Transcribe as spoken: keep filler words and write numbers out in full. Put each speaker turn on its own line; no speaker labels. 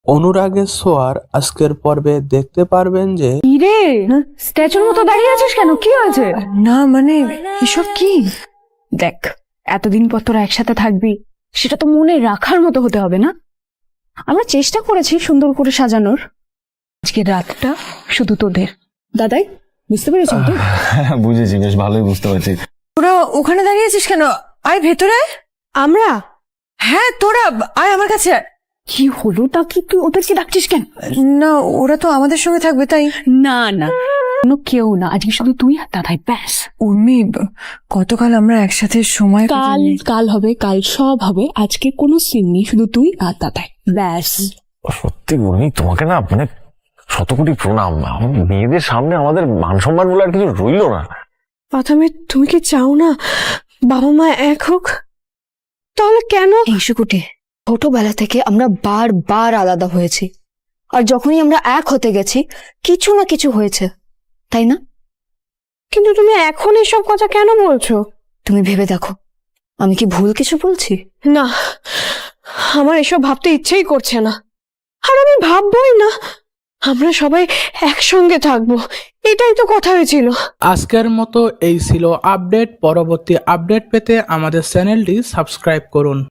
অনুরাগের ছোঁয়ার আজকের পর্বে দেখতে পারবেন যে
রে স্ট্যাচুর মতো দাঁড়িয়ে আছিস কেন? কি হয়েছে?
না মানে এসব কি?
দেখ, এতদিন পর তোরা একসাথে থাকবি, সেটা তো মনে রাখার মতো হতে হবে না? আমরা চেষ্টা করেছি সুন্দর করে সাজানোর। আজকের রাতটা শুধু তোদের। দাদাই, বুঝতে পেরেছেন তো?
হ্যাঁ বুঝেছি, বেশ ভালোই বুঝতে পারছি।
তোরা ওখানে দাঁড়িয়ে আছিস কেন? আয় ভেতরে।
আমরা?
হ্যাঁ তোরা আয় আমার কাছে।
কি হলো? তা কি তুই ওদেরকে ডাকছিস কেন?
না ওরা তো আমাদের সঙ্গে থাকবে তাই।
না না, কোনো কেউ না, আজকে শুধু তুই আর দাদাই, ব্যাস।
উর্মি, গতকাল আমরা একসাথে সময়
কাল
কাটালাম।
কাল হবে, কাল সব হবে। আজকে কোনো সিন নেই, শুধু তুই আর দাদাই, ব্যাস।
সত্যি উর্মি, তোমাকে না মানে শত কোটি প্রণাম। আমার মেয়েদের সামনে আমাদের মান সম্মান বলে আর কিছু রইলো না।
প্রথমে তুমি কি চাও না বাবা মা এক হোক? তাহলে কেন?
এই শুকুটি, ছোটবেলা থেকে আমরা বারবার আলাদা হয়েছি, আর যখনই আমরা এক হতে গেছি কিছু না কিছু হয়েছে, তাই না?
কিন্তু তুমি এখন এসব কথা কেন বলছো?
তুমি ভেবে দেখো, আমি কি ভুল কিছু বলছি?
না, আমার এসব ভাবতে ইচ্ছেই করছে না, আর আমি ভাববোই না। আমরা সবাই একসঙ্গে থাকবো, এটাই তো কথা হয়েছিল।
আজকের মতো এই ছিল আপডেট। পরবর্তী আপডেট পেতে আমাদের চ্যানেলটি সাবস্ক্রাইব করুন।